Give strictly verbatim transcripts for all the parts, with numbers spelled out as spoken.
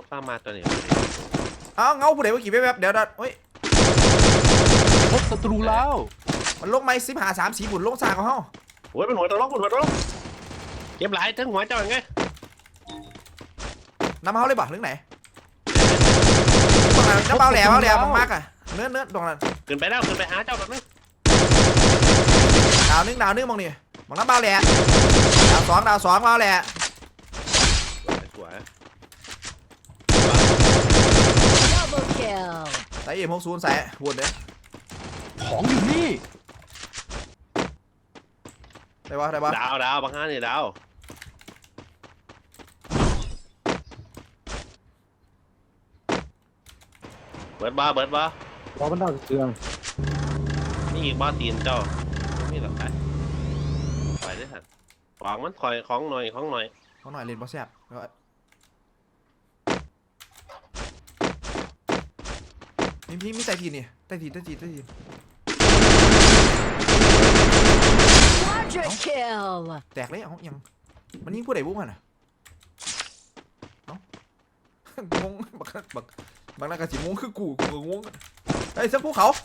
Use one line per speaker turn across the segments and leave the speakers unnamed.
ฟ้ามาตัวนี้
เอาเงาผู้ใดว่ากี่แวบๆเดี๋ยวเดี๋ยวเฮ้ย
พบศัตรูแล้ว
มันลงไม้สิบหาสามสีบุญลงสากของเฮา
โอ้ยเป็นหัวตะล็อกเป็นหัวตะล็อกเก็บหลายทั้งหัวเจ้าอย่างไง
น้ำเฮาเลยบ่เรื่องไหนน้ำเบาแหล่เบาแหล่มากๆอ่ะเนื้อเนื้อตรงนั้น
ขึ้นไปแล้วขึ้นไปหาเจ้าแบบนี้
ดาวนึงดาวนึงมองนี่มองน้ำเบาแหล่ดาวสองดาวสองเบาแหล่
สวย
ใส่เอ็มหกศูนย์ใส่วนเลย
ของอยู่นี่
ได้ปะได้ปะ
ดาวดาวบางฮานี่ดาวเบิร์ดบ้าเบิร์ดบ้า
พอมันได้เครื่อง
นี่อีกบ้าตีนเจ้านี่หรอครับไปได้ทันของมันคอยของหน่อยของหน่อย
ของหน่อยเล่นบอสแซ่บมีมีมีใต้ทีนี่ใต้ทีใต้ทีใต้ทีแตกเลยเอายังมันยิงผู้ใดบุ้งมันอ่ะเอ้างงบักบักบางนักกระสิงงคือกูกูงงไอ้เสื้อภูเขา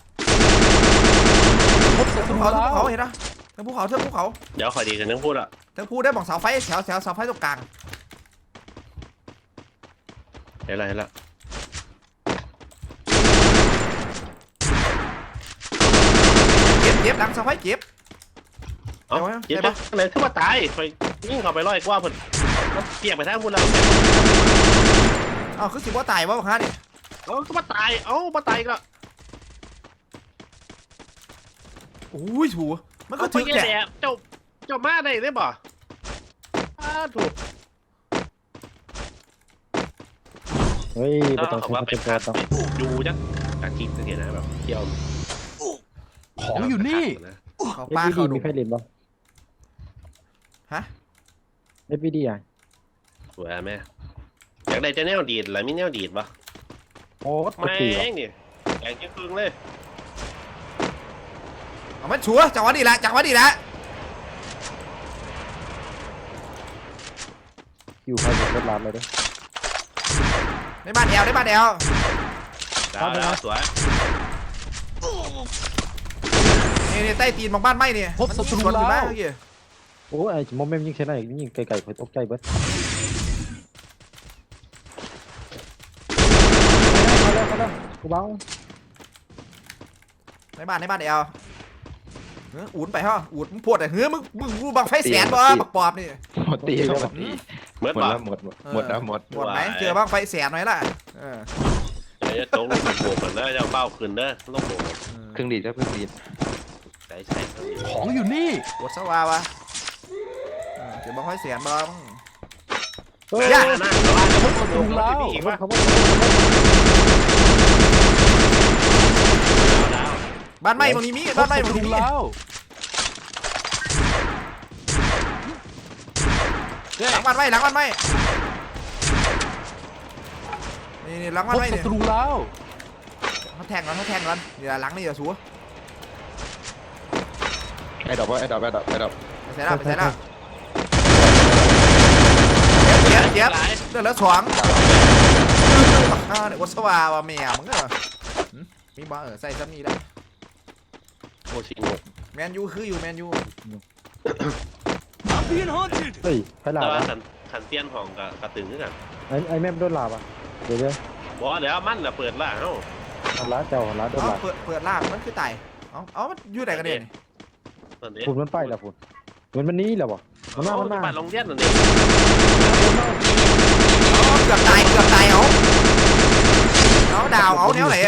เสื้อภูเขาเสื้อภูเขาเห็นนะเสื้อภูเขาเสื้อภูเขา
เดี๋ยวคอยดีกันนึงพูดอ่ะ
เสื้อภูได้บอกเสาไฟแถวแถวเสาไฟตรงกลาง
เห็นแล้วเห็นแล้ว
เก็บเก็บหลังเสาไฟเก็บ
เอาเจ็บปะเลยถ้าว่าตายไปยิ่งเข้าไปร้อยกว่าเพิ่นเปียกไปทั้งพูดแล้ว
อ้าวคือสิว่าตายวะบังคับดิ
เอาก็มาตายเอามาตายก็
โอ้ยถูมันก็ถึงแหละ
เจ้าเจ้ามาได้ได้บ่อ้าถูก
เฮ้ยไม่ต้องใช้เป็นการต้อง
ดูจังจากคลิปสังเกตนะแบบเที่ยว
ของอยู่นี่
เขาป้าเขา
มีไฟเล่นบ่
ฮะ
เอฟบีดีอ่ะ
สวยแม่อยากได้จะแนวดีดหรือมีแนวดีดปะ
โอ้
ไม่เนี่ยแกงครึ่งเลย
เอามันชัวจังหวะดีละจังหวะดีละ
อยู่ใครจะเป็นร้านเลยด้วย
ในบ้านแอลในบ้านแอล
ดาวดาวสวย
นี่ใต้ตีนของบ้านไม้เนี่ย
พบศัตรูแล้ว
โอ้ไอ้โมเมนต์ยิงเช่นไหนยิงไกลๆคอยตกใจเบิดมาแล้วมาแล้วกูเบา
ในบ้านในบ้านแอลเฮ้ยอุ่นไปฮะอุ่นมึงปวดแต่เฮ้ยมึงมึงมึงบังไฟแสนบ่บักปอบนี่
หมดตีหมดตี
หมด
แล้วหมดหมดแล้วหมด
หมดไหมเจอบ้างไฟแสนหน่อยล่ะเออ
จะโจ๊กลงโบกกันเด้อจะเป้าขึ้นเด้อลงโบก
เครื่องดีดครับเครื่องดีด
ใช่ใช่
ของอยู่นี่
ปวดสวาวะเจอบ้างไฟแสนบ้าง
ย่านะ
พบศัตรูแล้ว
บ้านไม้ตรงนี้มีบ้านไม้ตรงนี้มีหลังบ้านไม้หลังบ้านไม้นี่นี่หลังบ้านไม้เนี่ย
ศัตรูแล้ว
เขาแทงกันเขาแทงกันเดี๋ยวหลังนี่อย่าสู้
ไอ้ดอกว่าไอ้ดอกไอ้ดอกไอ้ดอก
ไปใส่แล้วไปใส่แล้วเจ็บเจ็บเดือดแล้วสองข้าวเนี่ยวัดสวาวะแมวมึงเหรอมีบ้าเออใส่ซ้ำนี่ได้
โอชิง
แมนยูคืออยู่แมนยู
เฮ้ยไฟลาบ
ขันขันเตี้ยนของกับกระตึงด้วยกัน
ไอ้ไอ้แม่โดนลาบอ่ะเดี๋ยวเดี๋ยว
บอกเดี๋ยวมันจะเปิดล่าเอ้า
ร้านเจ้าร้านโดนลา
เปิดเปิดล่ามันคือไต่เอาเอามันอยู่ไหนกันเนี่ย
ฝุ่นมันไปแล้วฝุ่นเหมือนมันนี้แล้วบ่มันมามันมา
บ้านลงเตี้ยนนั่นเอง
เกือบตายเกือบตายเอาเอาดาวเอาแนวไหน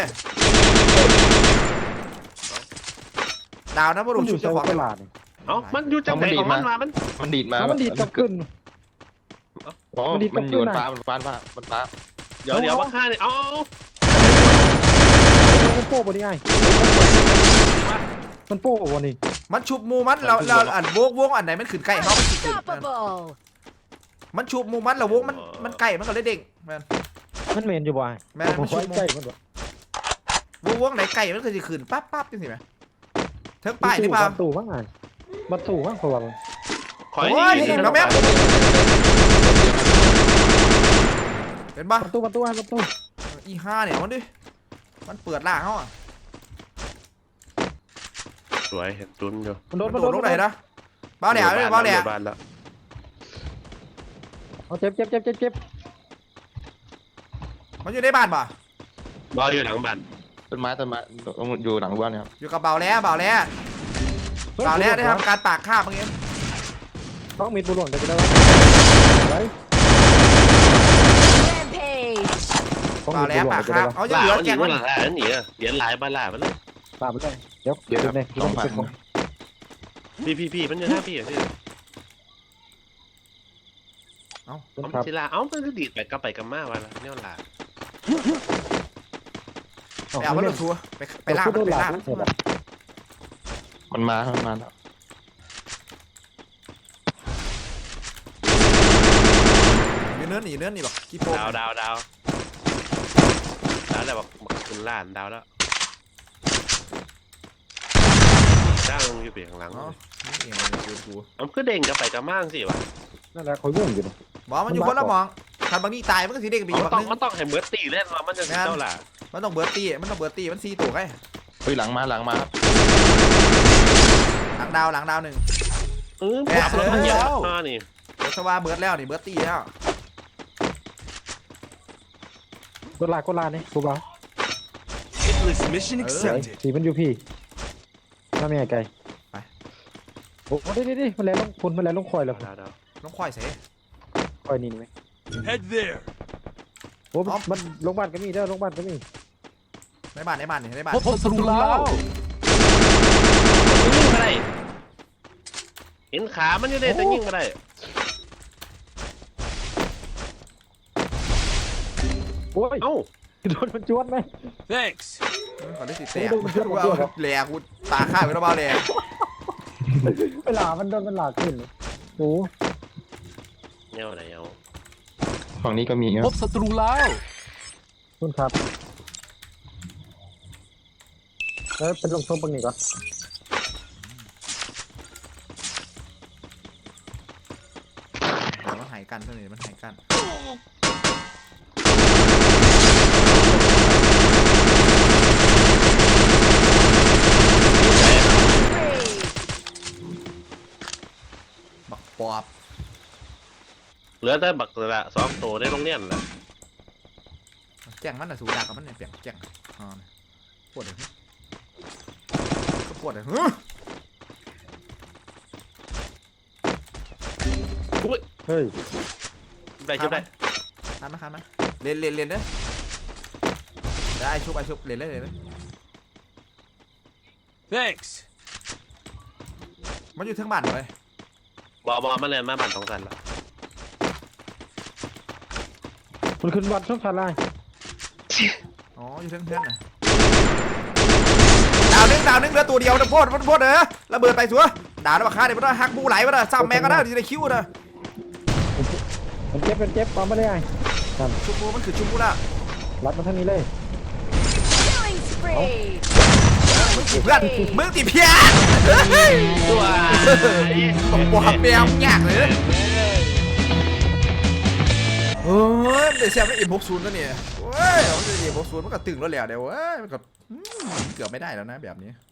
ดาวนะบรูชุดเจ้าของ
ตลาด
เอ้ามันอยู่จังไหนของมันมามัน
มันดีดมา
มันดีดกลับขึ้น
อ๋อมันอยู่บนฟ้าบนฟ้าบนฟ้า
เดี๋ยวเดี๋ยวว่าข้าเนี่ยเอา
มันโป้บนนี้ไงมันโป้บนนี้
มันชุบมูมันเราเราอันวงวงอันไหนมันขึ้นใกล้เขามันขึ้นมันชุบมูมันเราวงมันมันใกล้มันก็เลยเด้งมัน
มันเมนอยู่บ่อย
แม่มันชุบใกล้มันวงวงไหนใกล้มันก็จะขึ้นปั๊บปั๊บจังสิไหมเทิงป้ายนี่ป่ะ
ตู่มั้งไงมาตู่มั้งคนละ
ขอให้ดี
แล้วแม่เป็นปะ
ประตูประตูประตู
อีห้าเนี่ยมันดิมันเปิดล่างเขาอ่ะ
สวยเห็นตุนอยู่
มันโด
มัน น
มัน
โด
โด
ด
น
ลงไหนนะบ้าแหล่เลยบ้าแหล่
บ้านแล้ว
เอาเจ็บเจ็บเจ็บเจ็บเจ็บ
มันอยู่ในบ้านป่ะ
บ้านอยู่หลังบ้าน
ต้นไม้ต้นไม้อยู่หลังบ้านครับ
อยู่กับเบาแล้วเบาแล้วเบาแล้วได้ทำการปากคาบเมื่อกี้
ต้องมีปูหลวงจะได้ไว้
Rampage.
เบาแล้วปากคาบเอายังเหลือแกง
มั
มัน น
หลังหนีอ่ะเหรียญหลายบ้านหลายไปเลย
ตามไปเลยเดี๋ยว
เดี๋ยว
เดี๋ยวเนี่ย
สองพัน
พี่พี่พี่มันอยู่หน้าพี่อ่ะพี่
เอา
ต้น
เอา
ครับ
ศิลาเอ้ามันก็ดีดไปกลับไปกลับมาวันละเนี่ยหลา
ไปเอามันลงชัวไปไปล่างมันไปล่างมัน
มันมามันมาแล้ว
อยู่เนื้อหนีเนื้อหนีบอกกี่โป
ดาวดาวดาวดาวแล้วบอกคุณล้านดาวแล้วจ้างอยู่เปลี่ยนหลัง
อ๋อนี่เองมันอยู่กู
มันก็เด้งกลับไปกลับมาสิวะ
นั่นแหละเขายุ่งอยู่
บอกมันอยู่คนละมองคันบางนี่ตายมันก็สีเด็กไปอีก
มัน
บาง
ต้อง
นึง
มันต้องให้เบิร์ตตีเล่นว่ามันจะเจ้าหล่ะ
มันต้องเบิร์ตตีมันต้องเบิร์ตตีมันซีตัวไง
เฮ้ยหลังมาหลังมาครับ
หลังดาวหลังดาวหนึ่ง
เออขับรถมันเหยียบมานี่
เบิร์ตสว่าเบิร์ตแล้วนี่เบิร์ตตีแล้ว
กดลากดลาเนี่ยกูบอก
Hitless mission
เออ
accepted.
สีมันอยู่พี่ถ้าไม่ไกลโอ้ดิดิดิมันแล้วลงคุณมันแล้วลงคอยแล้ว
ดาวดาว
น้องควายเส
คอยนี่ไหม
Head there.
โอ้มันลงบ้านก็มีเด้อลงบ้านก็มี
ในบ้านในบ้านนี่ในบ้าน
พบศัตรูแล้ว
ยิงมาได้เห็นขามันอยู่เลยแต่ยิงมาได้
โอ้ย
เอ้า
โดนมันจวดไหม
Thanks.
ก่อนที่สิแตกกูเอาแหลกกูตาข้าวไปแล้วเบาแหลก
เวลามันโดนมันหลากขึ้นโอ้
เนี่ยอะไรเอา
ฝั่งนี้ก็มีค
พ
รับบ
ศัตรูแล้ว
คุณครับเออเป็นลงโทษปังนี่ก่อน
มันหายกันเท่านี้มันหายกันบักปอบ
เหลือแต่บักละสองตัวได้โรงเรียนละ
แจ้งมันน่ะสูดากับมันเนี่ยเปียกแจ้งอ่าปวดเลยก็ปวดเลยเฮ้ย
เฮ้ย
ได้ชุบได้
คันมาคันมาเล่นเล่นเล่นเด้อได้ชุบไอชุบเล่นเล่นเล่น
Thanks.
มันอยู่ทั้งบ้านเลย
บอบอมาเลยมาบันสองสันละ
มันขึ้นวัดช่องทางไลน์
อ๋ออยู่ทั้งเพื่อนน่ะดาวนึงดาวนึงเหลือตัวเดียวนะโพดโพดเออระเบิดไปสัวดาวแล้วบักฆ่าเดี๋ยวมันต้องหักบูไหลมาเด้อซ้ำแม่ก็ได้อยู่ในคิวนะ
มันเจ็บมันเจ็บความไม่ได้ไง
ชุบบูมันคือชุบบูละ
รัดมาทางนี้เลย
Killing spree.
เพื่อนมึงติเพี้ย
ตัว
บอกปอบแมวยากเลยเฮ้ยเดี๋ยวแซมไม่เอ็มหกศูนย์แล้วเนี่ยเว้ยมันจะเอ็มหกศูนย์มันก็ตึงแล้วแหละเดี๋ยวเว้ยมันก็เกือบไม่ได้แล้วนะแบบนี้